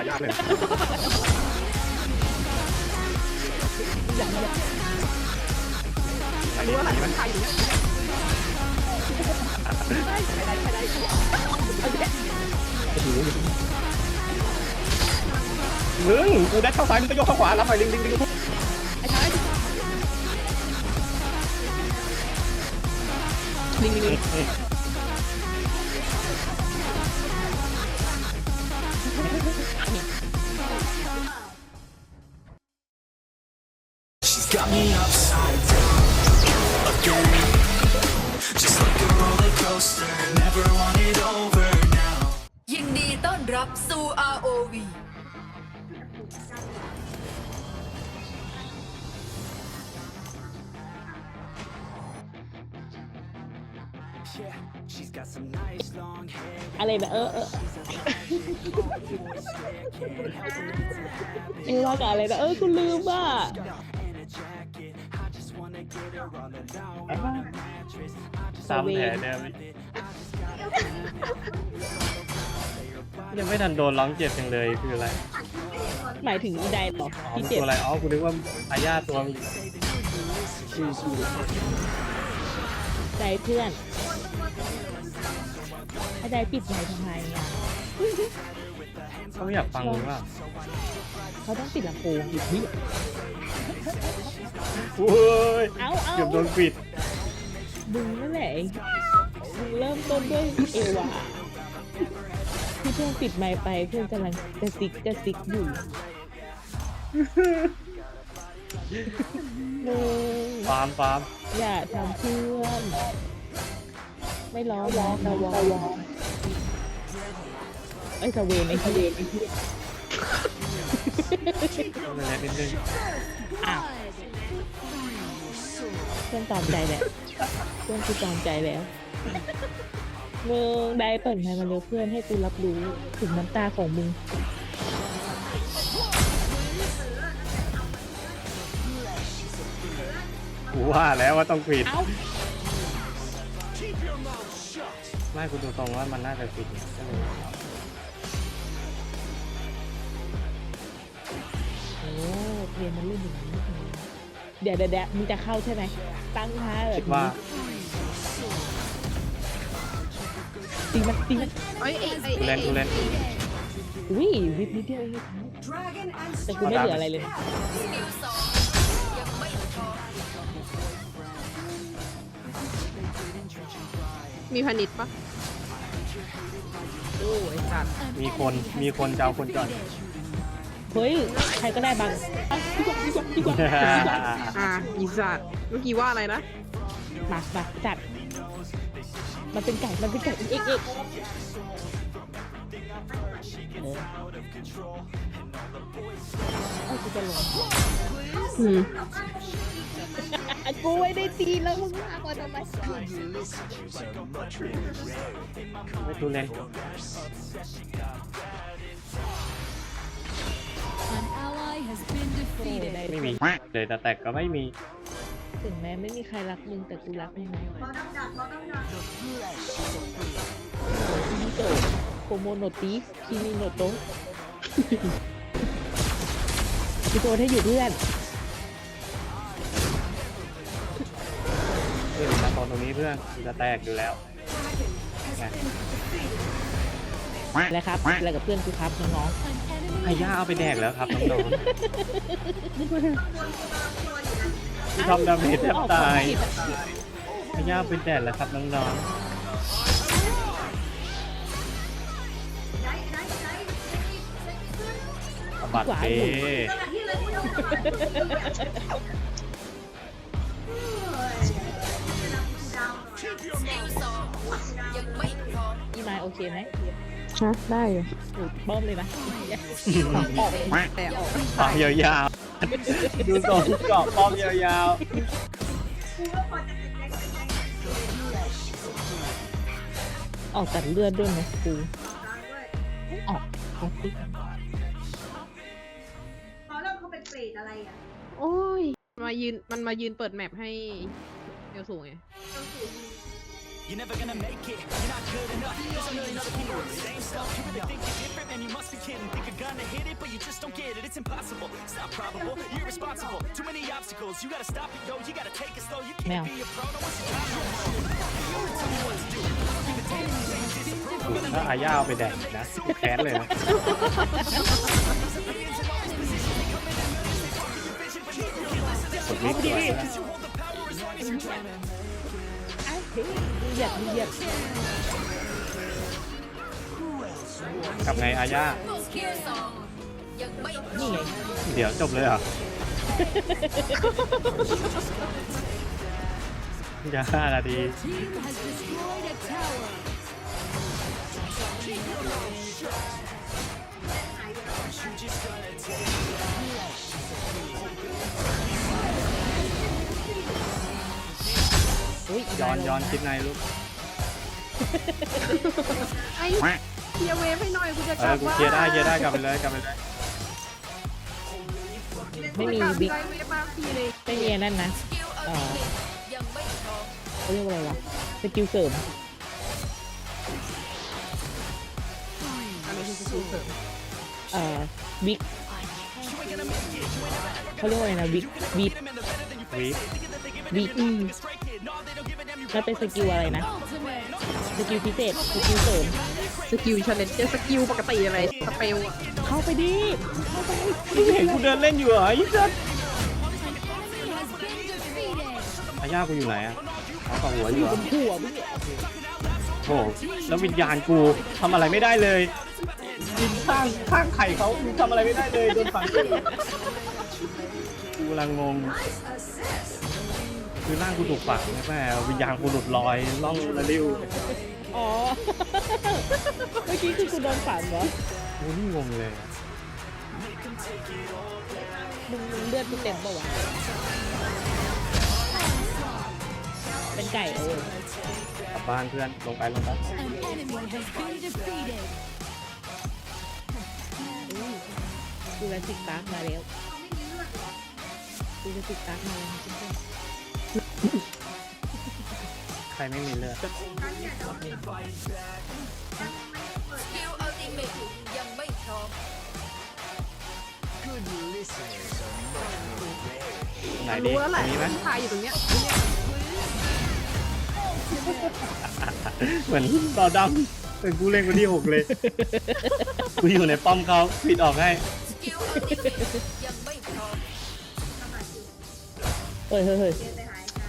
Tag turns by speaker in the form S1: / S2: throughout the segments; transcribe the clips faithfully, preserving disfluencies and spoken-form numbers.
S1: ายากเลยรู้ว่าอะไรมันใครอยู่ได้ได้ได้ได้มึงกูได้เข้าซ้ายมึงก็โยกเข้าขวารับไปลิงลิงลิงไอ้ชายลิงลิงลิง
S2: Got me upside down again, just like a roller coaster. Never want it over now.
S3: ยินดีต้อนรับสู่ อาร์ โอ วี
S2: Yeah, she's got some nice long hair.
S4: อะไรแบบเออเออเออว่ากับอะไรนะเออกูลืมว่ะ
S2: In a jacket, I just wanna get her all alone on a mattress. I just
S5: ซ้ำแผลเดิมยังไม่ทันโดนร้องเจ็บจังเลยคืออะไร
S4: หมายถึงอีไดเหรอ
S5: อ๋อ
S4: ที่
S5: มัน
S4: เจ็บ
S5: ตัวอะไรอ๋อกูนึกว่าอาญาตัวมัน
S4: ใจเพื่อนไอ้ไดปิดไมค์ทำไมอ่ะ
S5: เขาไม่อยากฟังหรือเปล่า
S4: เขาต้องปิดลำโพงอยู่ที่
S5: โอ้ย
S4: เอาเอา
S5: เกือบโดนปิด
S4: มึงนั่นแหละมึงเริ่มต้นด้วยเอวาที่เพื่อนปิดไมค์ไปเพื่อนกำลังกระซิกกระซิกอยู่มึง
S5: ฟาร์มฟาร์ม
S4: อย่าทำเพื่อนไม่ร้องร้องตะวองไอ้ยตะเวนไอ้ทะเวนไอ้ที่
S5: ต้องเล็กนิดนึง
S4: อ้าวเพื่อนตามใจแหละเพื่อนกูตามใจแล้วมึงได้เปิดไมค์มาเร็วเพื่อนให้กูรับรู้ถึงน้ำตาของมึง
S5: กูว่าแล้วว่าต้องปิด
S4: เอ้า
S5: ไม่กูดูตรงว่ามันน่าจะปิดก็เลย
S4: โอ้เรียนมันเล่นอย่างนี้เดี๋ยวเดี๋ยวเดี๋ยวมึงจะเข้าใช่ไหมตั้งท่าแบบ
S5: คิดว่า
S4: ตีมันตีมัน
S1: ไอ้ไอ้ไอ้
S5: กูเล่นกูเล่น
S4: วิ่งวิบนิดเดียวเองแต่กูไม่เหลืออะไรเลยนะ
S3: นิวสองยังไม่พอ
S1: มีพานิชปะโอ้ยสัตว์
S5: มีคนมีคนจะเอาคนก่อน
S4: เฮ้ยใครก็ได้บังอ่ะดีกว่าดีกว่าดีกว่าดีกว่า
S1: อ่าอีสัตว์เมื่อกี้ว่าอะไรนะ
S4: มามาจัดมันเป็นไก่มันเป็นไก่เอ็กเอ็กเออเอากูจะลง
S1: อืม
S4: กูไม่ได้ตีแล้วมึงมากกว่าทำไม
S5: ไม่ดูเล่น
S3: An ally has been
S4: โอ้
S3: defeated
S4: ได้
S5: ไม่มีเลยแต่แตกก็ไม่มี
S4: ถึงแม้ไม่มีใครรักมึงแต่กูรักมึงนะคิมิโตะโคโมโนติคิมิโนโตะกูโดนให้อยู่เพื่อน
S5: เพื่อนมาตอนตรงนี้เพื่อนจะแตกอยู่แล้วไง
S4: แล้วครับอะไรกับเพื่อนกูครับน้อง
S5: ไอ้ย่าเอาไปแดกแล้วครับน้องๆ
S4: ๆ
S5: ที่ทำดาเมจแทบตาย
S4: เอ้
S5: ไอ้ย่าเอาไปแดกแล้วครับน้องๆบัตรเป
S3: นิวสองยังไม่พร้อม
S4: อีไมล์โอเคไหม
S1: ฮะได้อยู่
S4: โอ้บ้อมเลยนะ
S1: ออกแต่ออก
S5: ป้อมยาวๆ ดูทรงเกาะป้อมยาว
S4: ออกตัดเลือดด้วยนะกูออกออกดิ
S6: เขาเริ่มเขาเป็นเปรตอะไรอ่ะ
S1: โอ้ยมายืนมันมายืนเปิดแมปให้เอลสูงไง
S2: You're never gonna make it. You're not good enough. There's a million other people with the same stuff. You really think you're different? And you must be kidding. Think you're gonna hit it, but you just don't get it. It's impossible. It's not probable. You're irresponsible. Too many obstacles. You gotta stop it, yo. You gotta take it slow. You can't be a pro. No one's your
S5: ถ้าอาญาเอาไปแดกนะแค้นเลยนะ กดวิกด้วยนะ
S4: ไอ้เฮ้ยเหยียดเหยียด
S5: กับไงอาญา
S3: สกิลสองยังไม่พร้
S4: นี่
S3: อม
S4: ไง
S5: เดี๋ยวจบเลยเหรอ อย่าห้านาที
S3: Team has destroyed a tower.
S4: อุ้ย
S5: ย้อนย้อนคิดในลูก
S7: ไอ้เคลียร์เวฟให้หน่อยกูจะ
S5: เอก
S7: ลั
S5: อบ กู
S7: ว่า
S5: เคลียร์ได้เคลียร์ได้กลับไปเลยกลับไปเลย
S4: ไม่มี
S7: กลับ
S4: บิ๊ก
S7: ไกลเวฟมาพี่เลย
S4: ไม่มีอันนั่นนะ
S3: สกิลอัลติเมทยังไม่พร้อม
S4: เขาเรียกว่าอะไรวะสกิลเสริม
S7: อะไรคือสกิลเสริม
S4: เอ่อวิกเขาเรียกว่าอะไรนะวิกวิก
S5: วิก
S4: วิกอืมแล้วเป็นสกิลอะไรนะ สกิลพิเศษ สกิลเสริม
S7: สกิลชาเลนจ์สกิลปกติอะไรสเปลอะ
S4: เข้าไปดิ เข้าไป
S5: มึงเห็นกูเดินเล่นอยู่เหรอไอ้สัสอาญากูอยู่ไหนอะเอาต่อหัวอยู่เหรอ
S4: หัวมึงเนี่ย
S5: โอ้โหแล้ววิญญาณกูทำอะไรไม่ได้เลยยิงข้างข้างไข่เขากูทำอะไรไม่ได้เลยโดนฝังกูกำลังงงคือร่างกูถูกฝังแม่วิญญาณกูหลุดลอยล่องละลิ้ว
S4: อ๋อ เมื่อกี้คือกูโดนฝันเหรอ
S5: กูนี่งงเลย
S4: มึงมึงเลือดกูเต็มปะวะ เป็นไก่เออก
S5: ลับบ้านเพื่อนลงไปลงไป
S3: An enemy has been defeated.
S4: กูจะติดตากมาแล้วกูจะติดตากมาแล้วเพื่อน
S5: ใครไม่มีเลือด
S3: สกิลอัลติเมทยังไม่พร้อม
S5: ไหน
S7: มัน
S5: ดี
S7: รู้แล้ว
S5: ต
S7: แห
S5: ร
S7: ละ
S5: งนี้ไหม
S7: ที่ทายอยู่ตรงเนี้ย
S5: เหมือนต่อดำเป็นกูเล่นคนที่หกเลย กูอยู่ในป้อมเขาปิดออกให้
S3: สกิลอัลติเมทยังไม่พร้อม
S4: เฮ้ยเฮ้ยเฮ้ย
S6: เดินไปหายใจ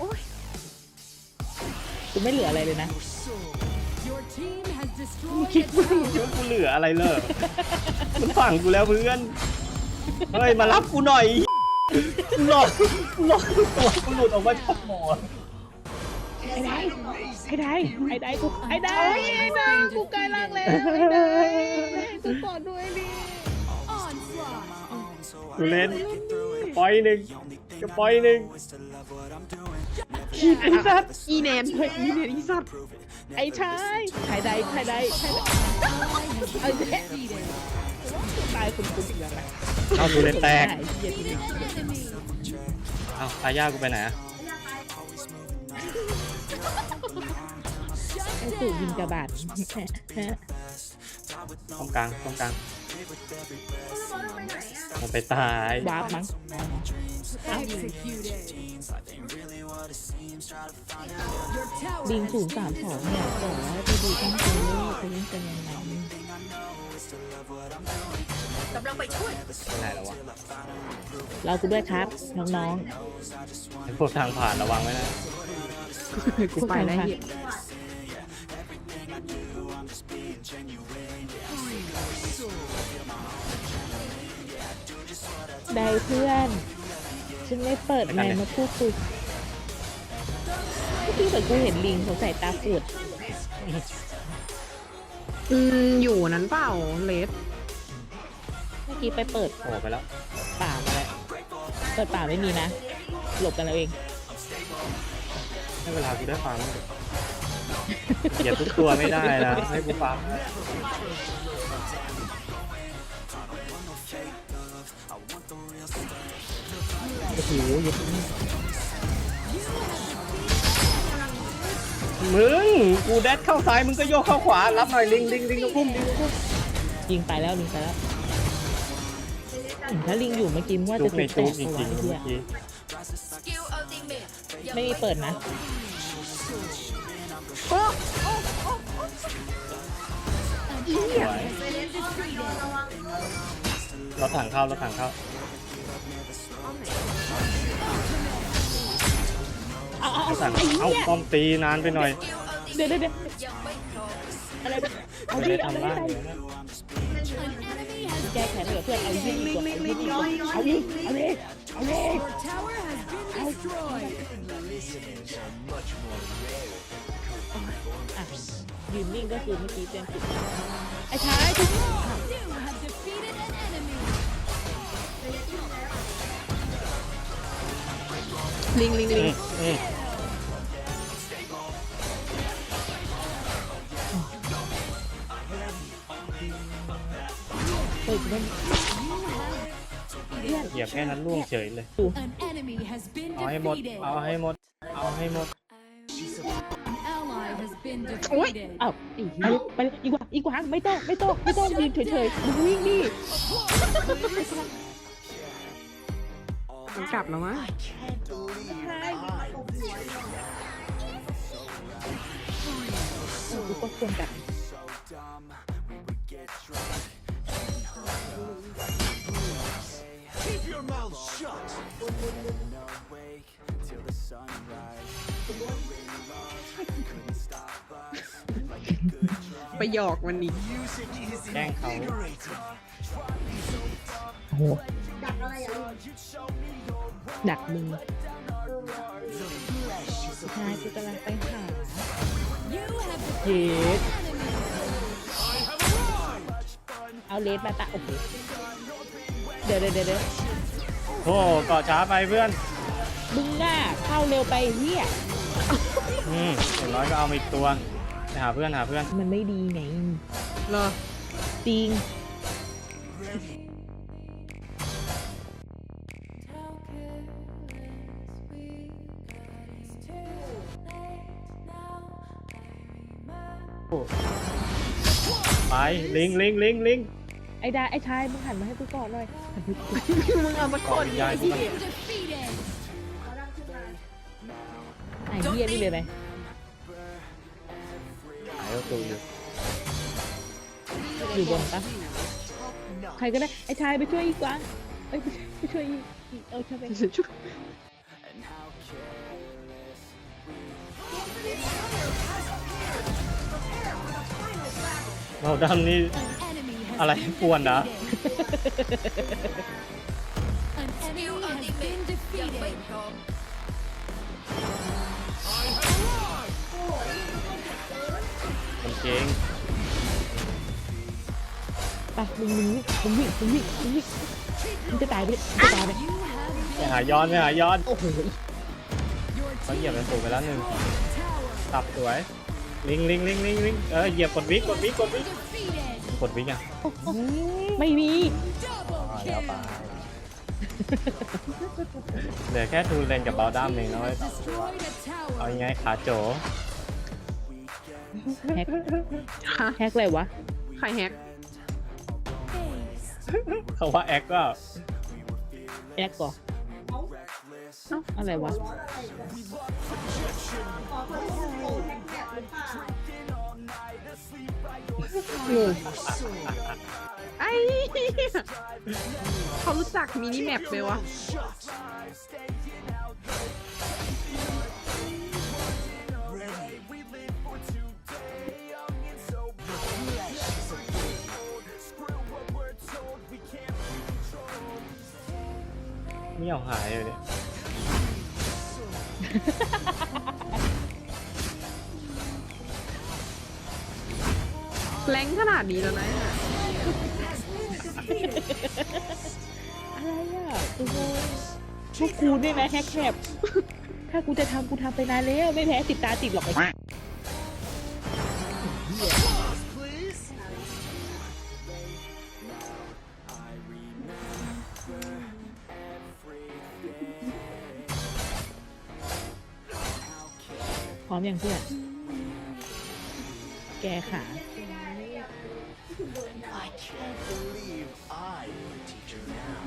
S4: กูไม่เหลืออะไรเลยนะ
S3: Your team has destroyed
S5: คิด
S3: a
S5: ว่า
S3: tower.
S5: คิดว่ากูเหลืออะไรเลยมันฝังกูแล้วเพื่อน เฮ้ยมารับกูหน่อยหลอกหลอกตัวกูหลุดออกมาจากหมอน
S4: ไอ้ได้ไอ้ได้ไอ้ได้กูไอ้ได้ไอ้ได้กูกลายร่างแล้วไอ้ได้กูกอดด้วยดิ
S3: Onslaught.
S5: กูเล่นปล่อยหนึ่งก็ปล่อยหนึ่ง
S7: ไอ้สัตว์อีแนนเฮ้ยอีแนนอีสัตว์
S4: ไอ้ชายชายใดชายใดชายใดเอาแค่ตายคุณคุณอีกแล้วนะ
S5: เอากูเล่นแตก
S4: เหี้ยจริง
S3: Enemy.
S5: เอาอาญากูไปไหนอะ
S4: ไอ้สู่ยิงกระบาด
S5: ตรงกลางตรงกลาง
S6: เขาไปไหนอ่ะ
S5: มันไปตายว
S4: าร์ปมั้ง
S3: Executed. Your tower
S4: ลิง
S3: has
S4: ศูนย์สามสองเนี่ยบอกว่าไปดูตั้งใจเล่นเขาเล่นกันยังไง
S3: กำลังไปช่วย
S5: ไปไหนแล้ววะ
S4: เรากูด้วยครับน้อง
S5: ไอ้พวกทางผ่านระวังไว้นะ
S7: กูไปแล้วเหี้ย
S4: ๆได้เพื่อนฉันไม่เปิดไมค์มาพูดคุยเมื่อกี้เหมือนกูเห็นลิงเขาใส่ตาปูด
S7: อืมอยู่นั้นเปล่าเลส
S4: เมื่อกี้ไปเปิด
S5: โผล่ไปแล้ว
S4: ป่ามาแล้วเปิดป่าไม่มีนะ หลบกันเราเอง
S5: ให้เวลากูได้ฟังเหยียบทุกตัวไม่ได้นะให้กูฟัง
S4: โอ้โหเยอะ
S5: มึงกูแดดเข้าซ้ายมึงก็โยกเข้าขวารับหน่อยลิงลิงลิงตะคุ่มลิงตะคุ่ม
S4: ลิงตายแล้วลิงตายแล้วอืมถ้าลิงอยู่เมื่อกี้ว่า
S5: จุ
S4: จะ
S5: กใน
S4: ติดแต
S5: จุก
S4: ก
S5: จ
S4: เอา
S5: ริ
S4: ไว้
S5: งๆ
S4: เฮีย
S5: เมื่อกี้
S3: สกิลอัลติเมทยัง
S4: ไม่มีเปิดนะ
S5: สวยรถถังเข้ารถถังเข้า
S4: เอาเอา
S5: รถถัง
S4: ไอ้
S5: เอา
S4: เหี้ย
S5: ป้อมตีนานไปหน่อย
S3: สกิลอัลติ
S4: เดี๋ยวเดี๋ยวเดี๋ยว
S3: ยังไม่พร้อม
S4: อะไรเอา
S5: ไม่
S4: ดิ
S5: ได้
S4: เอา
S5: ทำ
S4: เล
S5: บ้าย น
S4: เอา
S5: เดี๋ยวนะ
S4: แก้แค้นเหลือเพื่อนเอายิงดีกว่าเอายิงดีกว่าเอาดิเอาดิเอาดิเอาอ่ะยืนนิ่งก็คือเมื่อกี้เต็มสิบไอ้ชายทุก
S7: ลิงลิงลิ
S5: อื
S7: ง
S5: มอืม
S4: เปิดเล่น
S5: เหยียบแค่นั้นล่วงเฉยเลย
S8: An enemy has been
S5: เอาให้หมด
S8: defeated.
S5: เอาให้หมด เอาให้หมด
S8: An ally has been
S7: โอ๊ย
S8: defeated.
S4: อ้าวไอ้เหี้ยไปเลยอีกว่าอีกว่าไม่ต้องไม่ต้องไม่ต้องยืนเฉยๆมึงวิ่งดิ
S7: มันกลับแล้วมั้ง
S4: กูก็ควรกัน
S2: Keep your mouth shut. Awake till the sunrise. Couldn't stop us like a good drug.
S7: ไปหยอกมันอีก
S2: Music is
S5: แกล้งเขา
S2: invigorating.
S4: โอ้โหดักมึงชายกูกำลังไปหา
S8: You have
S4: เย็ด
S8: enemy.
S4: เอาเลสมาตะโอ้โหเดี๋ยวเดี๋ยวเดี๋ยวเดี๋ยว
S5: โอ้เกาะช้าไปเพื่อน
S4: มึงอ่ะเข้าเร็วไปเฮีย
S5: อืมอย่างน้อยก็เอามาอีกตัวไปหาเพื่อนหาเพื่อน
S4: มันไม่ดีไง
S7: เหรอ
S4: จริง
S5: ไปลิงลิงลิงลิง
S4: ไอ้ดาไอ้ชายมึงหันมาให้กูก่อนหน่อยหันไปกู
S7: มึงเอามา
S5: เกาะวิญญาณกูมัน
S8: Defeated.
S4: ไอ้เฮียนี่เลยไหม
S5: หายตัวอยู่
S4: อยู่บนปะใครก็ได้ไอ้ชายไปช่วยอีกวางเอ้ยไปช่วยอีกอีกเอาช่วยไป
S7: ชุบ
S5: เราดำนี่
S8: An enemy has
S5: อะไร
S8: been
S5: ป่วนนะ
S8: defeated. An
S3: สกิล
S8: enemy
S3: อัล
S8: has
S3: ติเม
S8: been
S3: ทยังไม่
S8: defeated.
S3: พร้อม
S5: มันเก่ง
S4: ไปมึงมึงมึงวิ่งมึงวิ่งมึงวิ่งมึงจะตายไปเลยมึงจะตายไป
S8: You have
S5: ไปหาย้อนไปหาย้อน
S4: โอ้โห
S5: เขาเหยียบเป็นสูงไปแล้วหนึ่ง
S8: tower
S5: ตับสวยลิงลิงลิงลิงลิงเออเหยียบกดวิกกดวิกกดวิก
S8: defeated.
S5: กดวิกอ่ะ
S4: ไม่มี
S8: Double
S5: อ่าแล้ว
S8: kill.
S5: ไปเหลือแค่ทูเลนกับบาลดัมเองนะเว้ย
S8: Destroyed a tower.
S5: เอายังไงขาโจ
S4: แฮก
S7: ฮะ
S4: แฮกอะไรวะ
S7: ใครแฮก
S5: เขาว่าแอคก็
S4: แฮกก่อนเอ้าอะไรวะ
S7: งงไอ้เหี้ยเขารู้จักมินิแมปไหมวะ
S5: ไม่เอาหายเลยเนี่ย
S7: แรงขนาดนี้แล้วนะ
S4: อะไรอ่ะกูงงพวกกูเนี่ยนะแฮกแคปถ้ากูจะทำกูทำไปนานแล้วไม่แพ้ติดตาติดหรอกไอ้ พร้อมยังเพื่อนแกขา
S6: I can't believe I'm a teacher now.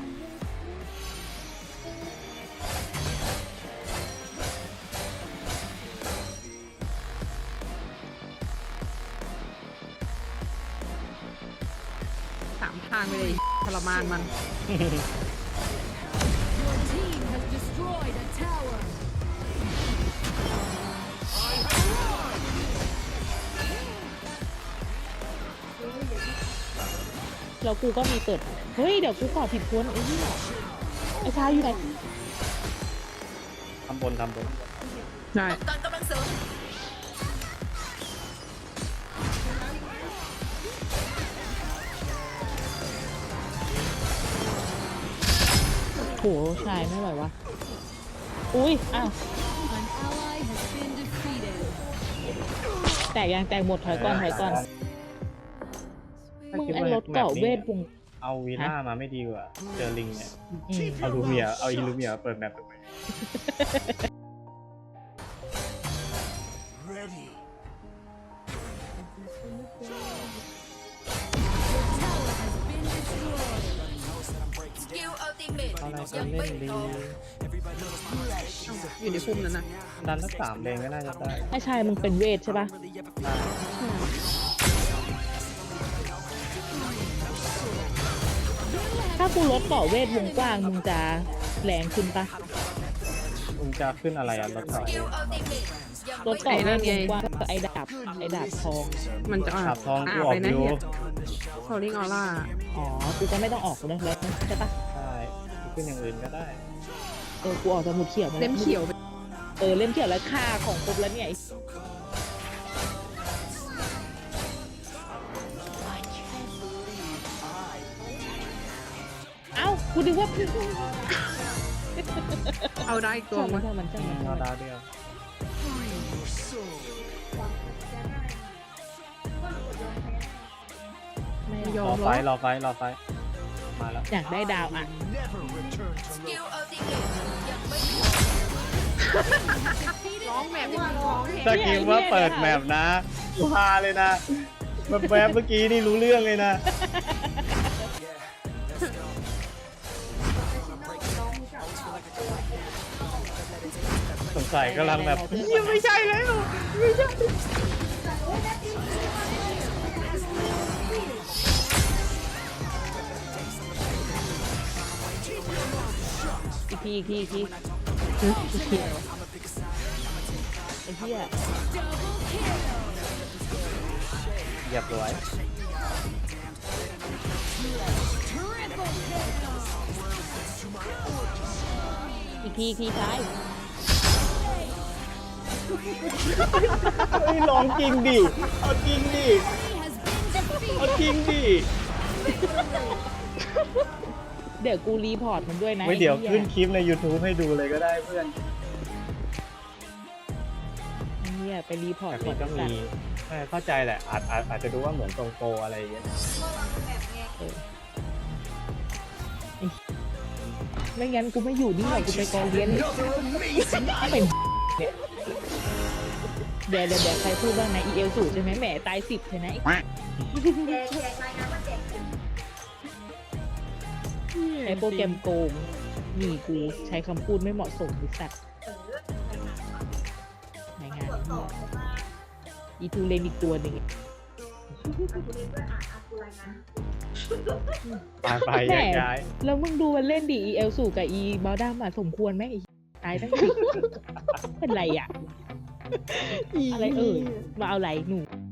S7: สามทางไปเลยทรมานมัน
S8: Your team has destroyed a tower.
S4: แล้วกูก็มีเปิด เฮ้ย เดี๋ยวกูขอผิดพ้นไอ้นี่ไอ้ชายอยู่ไหน
S5: ทำบนทำบน
S7: ใช่
S3: ตอนกำลังเสริม
S4: โหชายไม่ไหววะ อุ้ย อ้าว
S8: An ally has been defeated.
S4: แตกยังแตกหมดถอยก่อนถอยก่อน มึงไอ้รถเกาะเวทวง
S5: เอาวีน่ามาไม่ดีกว่าเจอลิงเนี่ย
S4: อืม
S5: เอาลูเมียเอาอีลูเมียเปิดแมปไป
S6: Ready.
S8: Tower has been destroyed.
S3: สกิลอัลติเมท
S5: เอาอะไรก็
S3: ยัง
S5: เล่
S3: ไม่
S5: นดี
S3: พร้อม
S7: อยู่ในพุ่มนั้นนะ
S5: ดันสักสามเลนก็น่าจะได้
S4: ไอ้ชายมึงเป็นเวทใช่ปะถ้ากูลดเกาะเวทวงกว้างมึงจะแรงขึ้นปะ
S5: มึงจะขึ้นอะไรอ่ะรถ
S3: ส
S5: ต่อ
S3: กิลอัลติเมทยัง
S4: ลด
S3: ไม่
S4: เกาะเวทวงกว้างก็ไอ้ดาบไอ้ดาบทอง
S7: มันจะอ่า
S5: ขับทองกู
S7: อา
S5: ออ
S7: ไป
S5: ก
S7: นะ
S5: อยู่
S7: เฮียโซลิงออร่า
S4: อ๋อ กูก็ไม่ต้องออกเลยแล้วใช่ปะ
S5: ใช่ขึ้นอย่างอื่นก็ได้
S4: เออ กูออกจากหมุดเขียวมาแว
S7: เล่มเขียวไป
S4: เออ เล่มเขียวแล้วค่าของครบแล้วเนี่ยไอ้เอ้า กูนึกว่า
S7: เอาได้อีกตัว
S4: ช่างมั
S7: มั้
S4: น
S7: ย
S4: ช่างมันช่างมัน
S5: เอาดาวเดียว
S4: ไม่
S7: ย
S5: ร
S7: อ
S5: อ
S7: ม
S5: ไฟ
S7: เหรอ
S5: รอไฟรอไฟมาแล้ว
S4: อยากได้ดาวอ่ะ
S6: Never return
S3: ส
S6: to
S3: กิล
S6: low.
S3: อัลติเมทยังไม่พร้อม
S7: ร้องแบบนี้ร้องเพลง
S5: ถ้าคิดว่าเปิดแมปนะกูพาเลยนะแบบแวบเมื่อกี้นี่รู้เรื่องเลยนะ สงสัยกำลังแบบยังไม่ใช่แล้วไม่ใช่
S4: อีกทีอีกทีอีกที
S7: ฮึอีเขียว
S4: ไอ้เหี้ย
S8: Double kill.
S5: เหยียบสวย
S8: Triple kill.
S4: อีกทีอีกทีท้าย
S5: เฮ้ยลองจริงดิเอาจริงดิ
S8: He has been
S5: เอา
S8: defeated.
S5: จริงดิ
S4: เดี๋ยวกูรีพอร์ตมันด้วยนะ
S5: ไม่เดี๋ยว
S4: ไอ้หี้
S5: ขึ้นคลิปใน YouTube ให้ดูเลยก็ได้เพื่อน
S4: ไอ้เนี่ยไปรีพอร์ต
S5: แต่
S4: ก่
S5: มั
S4: อน
S5: นก็มีเออเข้าใจแหละอาจอาจอาจจะดูว่าเหมือนตรงโปรอะไรอย่างเงี้ย
S4: เออไอ้ไม่งั้นกูไม่อยู่นี่หรอกกูไปกองเรียนเป็นเนี่ยเดี๋ยวเดี๋ยวเดี๋ยวใครพูดบ้างนะ อี เอล สูตรใช่ไหมแหมตายสิบใช่ไหมไอโปรแกรมโกงนี่กูใช้คำพูดไม่เหมาะสมบริษัทในงานนี้อีทูเลนอีกตัวหนึ่ง
S5: ไปไป
S4: แหม่
S5: ย้ายย้าย
S4: แล้วมึงดูมันเล่นดิ อี เอล สูกับ อี บอลด้ามาสมควรไหมไอ้ตายตั้งสิบเป็นไรอ่ะ อะไรเอ่ย มาเอาไหลหนู